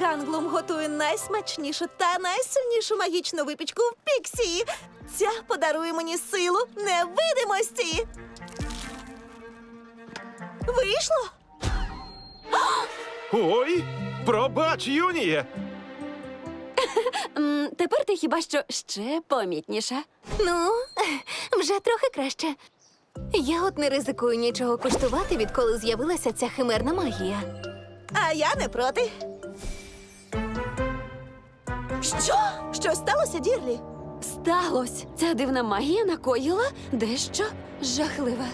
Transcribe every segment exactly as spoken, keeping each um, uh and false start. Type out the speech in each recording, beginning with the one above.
Ганглум готує найсмачнішу та найсильнішу магічну випічку в Піксі. Ця подарує мені силу невидимості. Вийшло? Ой, пробач, Юніє! М, Тепер ти хіба що ще помітніша. Ну, вже трохи краще. Я от не ризикую нічого куштувати, відколи з'явилася ця химерна магія. А я не проти. Що? Щось сталося, Дірлі? Сталось! Ця дивна магія накоїла дещо жахливе.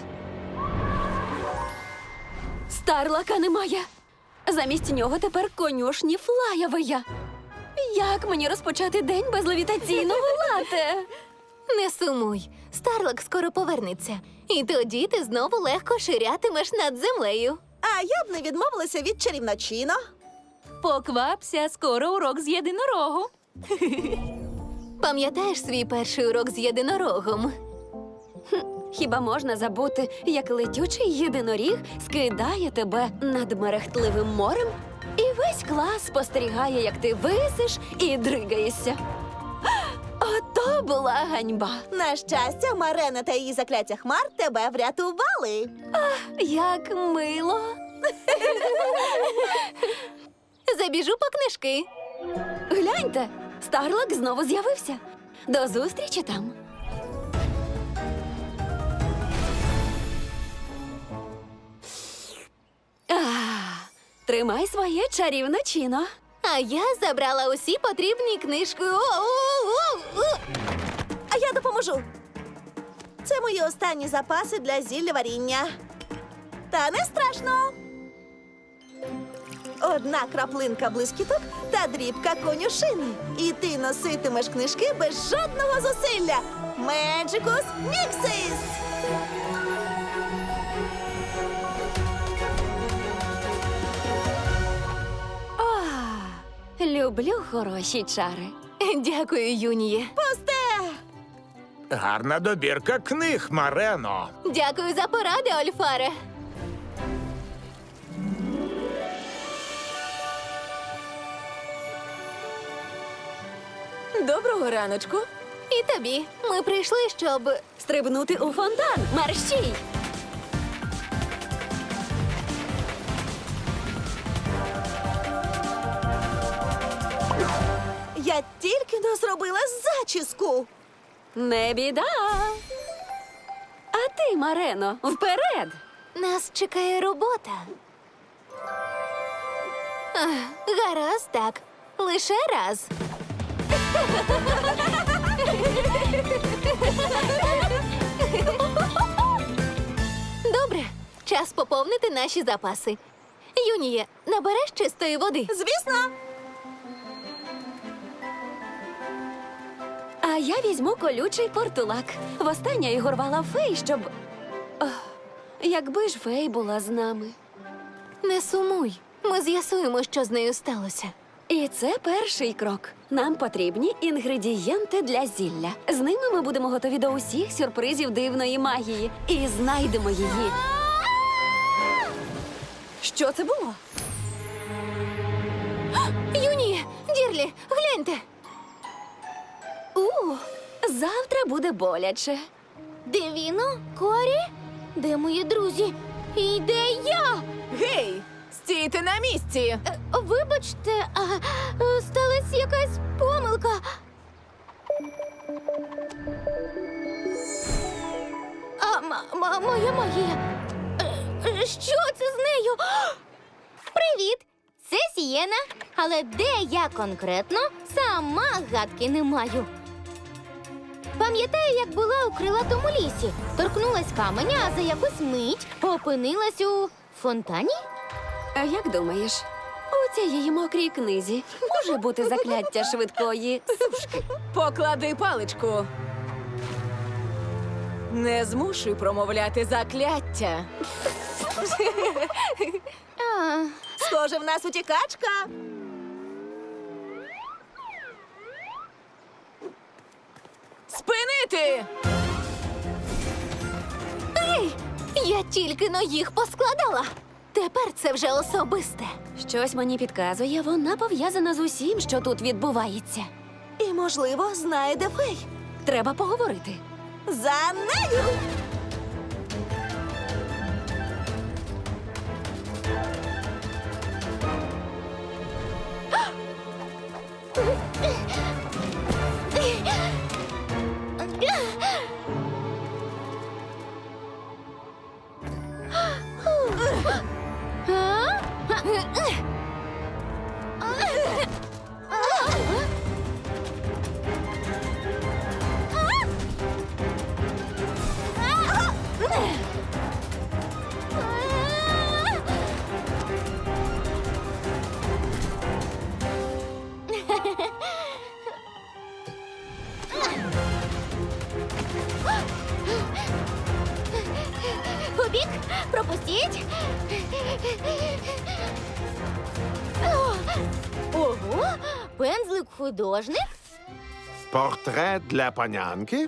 Старлака немає. Замість нього тепер конюшні Флаєвия. Як мені розпочати день без левітаційного лате? Не сумуй, Старлак скоро повернеться. І тоді ти знову легко ширятимеш над землею. А я б не відмовилася від чарівночино. Поквапся, скоро урок з єдинорогу. Пам'ятаєш свій перший урок з єдинорогом? Хіба можна забути, як летючий єдиноріг скидає тебе над мерехтливим морем, і весь клас спостерігає, як ти висиш і дригаєшся. Ото була ганьба. На щастя, Марена та її закляття хмар тебе врятували. Як мило. Забіжу по книжки. Гляньте, Старлак знову з'явився. До зустрічі там. А, тримай своє чарівне чино. А я забрала усі потрібні книжки. О-о-о-о! А я допоможу. Це мої останні запаси для зілля варіння. Та не страшно. Одна краплинка блискіток та дрібка конюшини. І ти носитимеш книжки без жодного зусилля. Меджикус Міксис! О, люблю хороші чари. Дякую, Юніє. Пусте! Гарна добірка книг, Марено. Дякую за поради, Ольфаре. Доброго раночку. І тобі. Ми прийшли, щоб... Стрибнути у фонтан. Мерщій! Я тільки но зробила зачіску. Не біда. А ти, Марено, вперед! Нас чекає робота. Ах, гаразд, так. Лише раз. Добре, час поповнити наші запаси. Юніє, набереш чистої води? Звісно. А я візьму колючий портулак. Востаннє Ігор вала фей, щоб... Ох, якби ж фей була з нами. Не сумуй. Ми з'ясуємо, що з нею сталося. І це перший крок. Нам потрібні інгредієнти для зілля. З ними ми будемо готові до усіх сюрпризів дивної магії. І знайдемо її. Що це було? Юніє, Дірлі, гляньте. У, завтра буде боляче. Девіно? Корі? Де мої друзі? І де я? Гей, стійте на місці. Е, Вибачте, а, е, сталася якась помилка. А ма- ма- моя магія. Е, е, Що це з нею? Привіт! Це Сієна. Але де я конкретно, сама гадки не маю. Пам'ятаю, як була у крилатому лісі. Торкнулась каменя, а за якусь мить опинилась у фонтані? А як думаєш, у цієї мокрій книзі може бути закляття швидкої сушки? Поклади паличку. Не змушуй промовляти закляття. А, Схоже, в нас утікачка. Спинити! Ей, я тільки но їх поскладала. Тепер це вже особисте. Щось мені підказує, вона пов'язана з усім, що тут відбувається. І, можливо, знає, де фей. Треба поговорити. За нею! Побіг, пропустіть. Ого, пензлик художник. Портрет для панянки?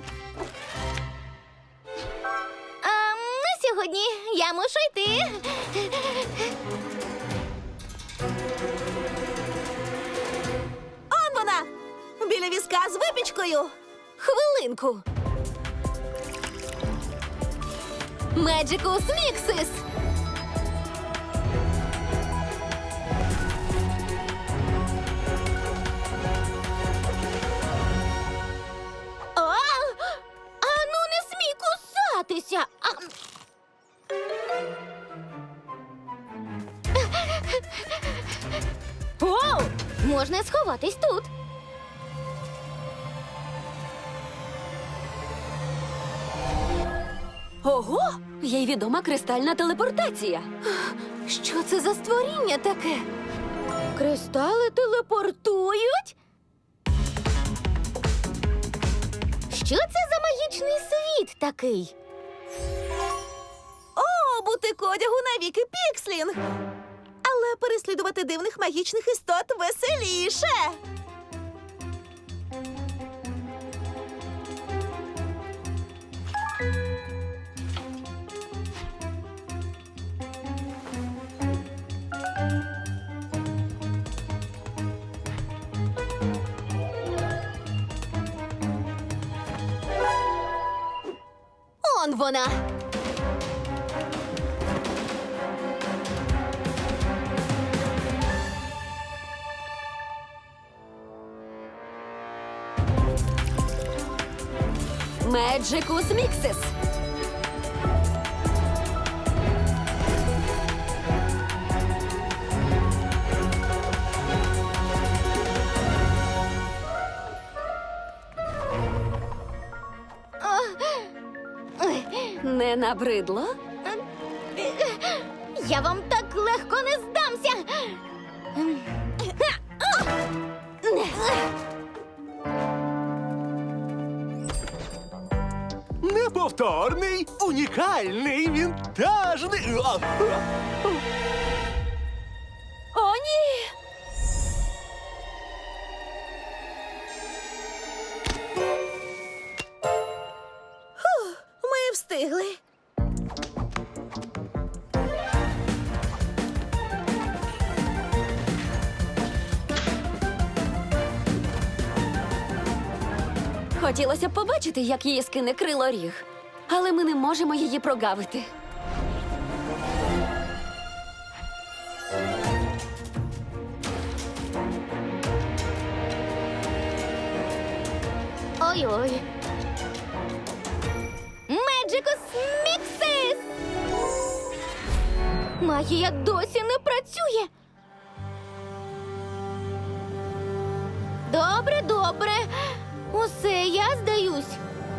А на сьогодні я мушу йти. Он вона! Біля візка з випічкою. Хвилинку. Меджикус Міксис! А, а ну не смій кусатися. А... О, можна сховатись тут. Ого! Їй відома кристальна телепортація. Що це за створіння таке? Кристали телепортують? Що це за магічний світ такий? О, бутик одягу навіки пікслінг. Але переслідувати дивних магічних істот веселіше. Он вона! Меджикус Міксис. Не набридло? Я вам так легко не здамся. Неповторний, унікальний, вінтажний. А, а. О, ні! Ми встигли. Хотілося б побачити, як її скине крилоріг. Але ми не можемо її прогавити. Ой-ой. Меджикус Міксис! Магія досі не працює. Добре, добре. Усе, я здаюсь.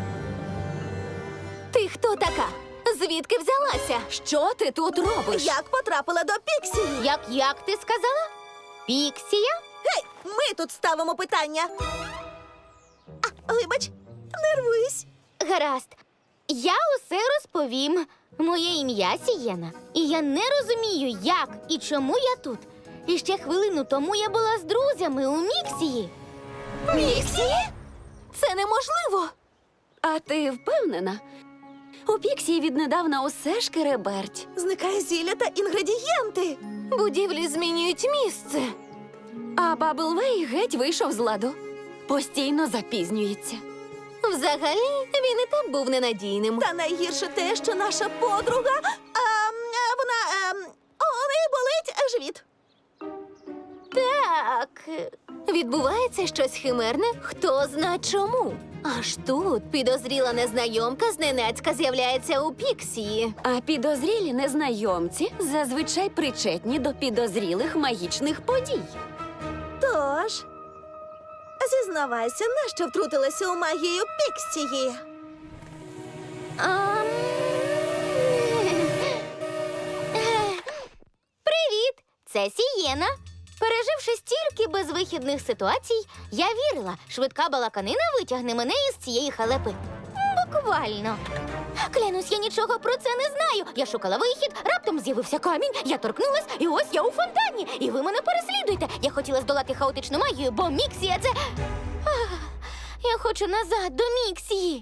Ти хто така? Звідки взялася? Що ти тут робиш? Як потрапила до Піксі? Як, як ти сказала? Піксія? Гей, ми тут ставимо питання. А, вибач, нервуюсь. Гаразд. Я усе розповім. Моє ім'я Сієна. І я не розумію, як і чому я тут. І ще хвилину тому я була з друзями у Міксії. Міксі? Це неможливо. А ти впевнена? У Піксії віднедавна усе шкереберть. Зникає зілля та інгредієнти. Будівлі змінюють місце. А Баблвей геть вийшов з ладу. Постійно запізнюється. Взагалі, він і так був ненадійним. Та найгірше те, що наша подруга, а, а, вона, а, у неї болить живіт. Так. Відбувається щось химерне, хто зна чому. Аж тут підозріла незнайомка зненацька з'являється у Піксії. А підозрілі незнайомці зазвичай причетні до підозрілих магічних подій. Тож, зізнавайся, нащо втрутилася у магію Піксії? Ам. Привіт! Це Сієна. Переживши стільки безвихідних ситуацій, я вірила, швидка балаканина витягне мене із цієї халепи. Буквально. Клянусь, я нічого про це не знаю. Я шукала вихід, раптом з'явився камінь, я торкнулась, і ось я у фонтані. І ви мене переслідуєте. Я хотіла здолати хаотичну магію, бо Міксія це. Ах, я хочу назад до Міксії.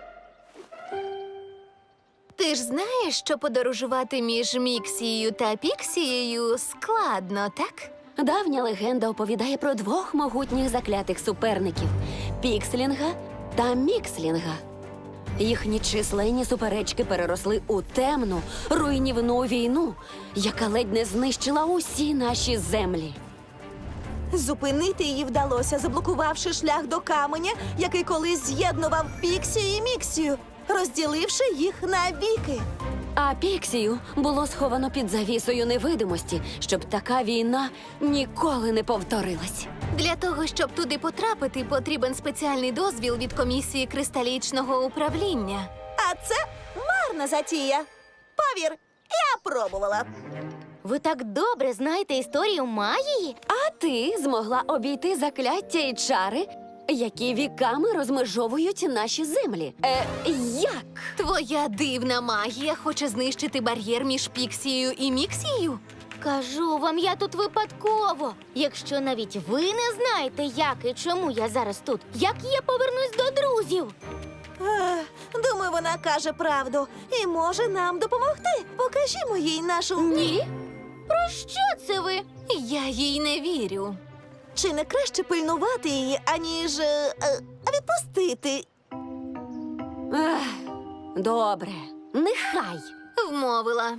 Ти ж знаєш, що подорожувати між Міксією та Піксією складно, так? Давня легенда оповідає про двох могутніх заклятих суперників – Пікслінга та Мікслінга. Їхні численні суперечки переросли у темну, руйнівну війну, яка ледь не знищила усі наші землі. Зупинити її вдалося, заблокувавши шлях до каменя, який колись з'єднував Піксію і Міксію, розділивши їх навіки. А Піксію було сховано під завісою невидимості, щоб така війна ніколи не повторилась. Для того, щоб туди потрапити, потрібен спеціальний дозвіл від комісії кристалічного управління. А це марна затія. Повір, я пробувала. Ви так добре знаєте історію магії? А ти змогла обійти закляття і чари, які віками розмежовують наші землі. Е, як? Твоя дивна магія хоче знищити бар'єр між Піксією і Міксією? Кажу вам, я тут випадково. Якщо навіть ви не знаєте, як і чому я зараз тут, як я повернусь до друзів? Ех, думаю, вона каже правду і може нам допомогти. Покажімо їй нашу... Ні. Про що це ви? Я їй не вірю. Чи не краще пильнувати її, аніж е, е, відпустити? Ех, добре, нехай. Вмовила.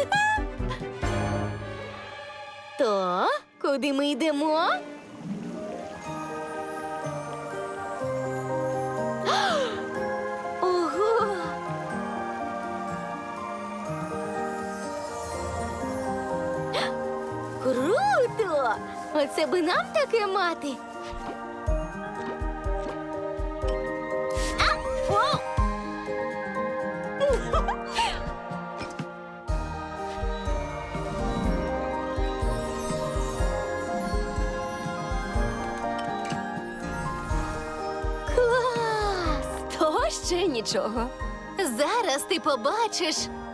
То, куди ми йдемо? Ого! Круто! Оце би нам таке мати. А! О! Клас! То ще нічого. Зараз ти побачиш.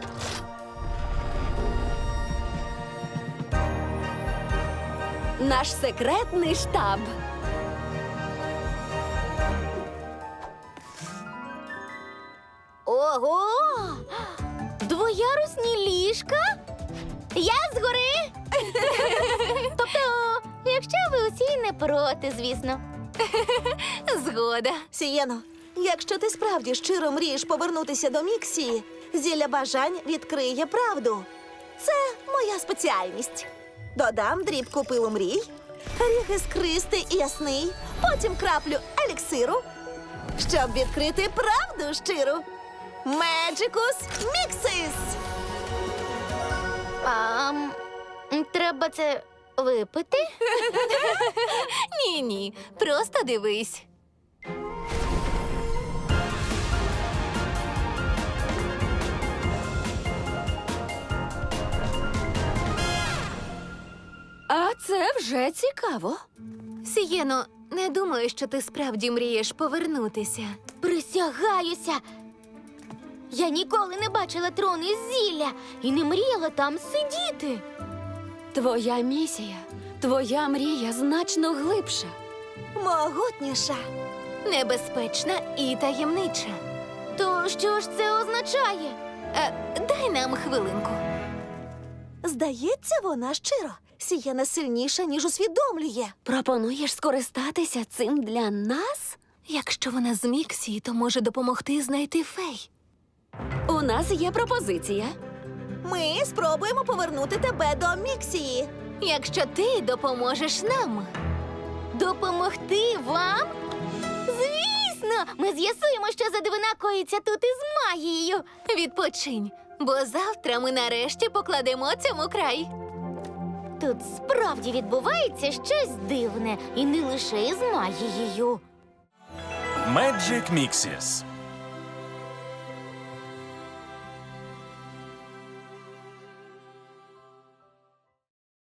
Наш секретний штаб. Ого! Двоярусні ліжка? Я згори! Тобто, якщо ви усі не проти, звісно. Згода. Сієно, якщо ти справді щиро мрієш повернутися до Міксії, зілля бажань відкриє правду. Це моя спеціальність. Додам дрібку пилу мрій, ріг іскристий і ясний, потім краплю еліксиру, щоб відкрити правду щиру. Меджикус Міксис! А, м, треба це випити? Ні-ні, просто дивись. А це вже цікаво. Сієно, не думаю, що ти справді мрієш повернутися. Присягаюся! Я ніколи не бачила трон із зілля і не мріяла там сидіти. Твоя місія, твоя мрія значно глибша. Могутніша. Небезпечна і таємнича. То що ж це означає? Е, дай нам хвилинку. Здається, вона щиро. Сієна сильніша, ніж усвідомлює. Пропонуєш скористатися цим для нас? Якщо вона з Міксії, то може допомогти знайти фей. У нас є пропозиція. Ми спробуємо повернути тебе до Міксії. Якщо ти допоможеш нам. Допомогти вам? Звісно! Ми з'ясуємо, що за дивина коїться тут із магією. Відпочинь, бо завтра ми нарешті покладемо цьому край. Тут справді відбувається щось дивне, і не лише із магією. Magic Mixes.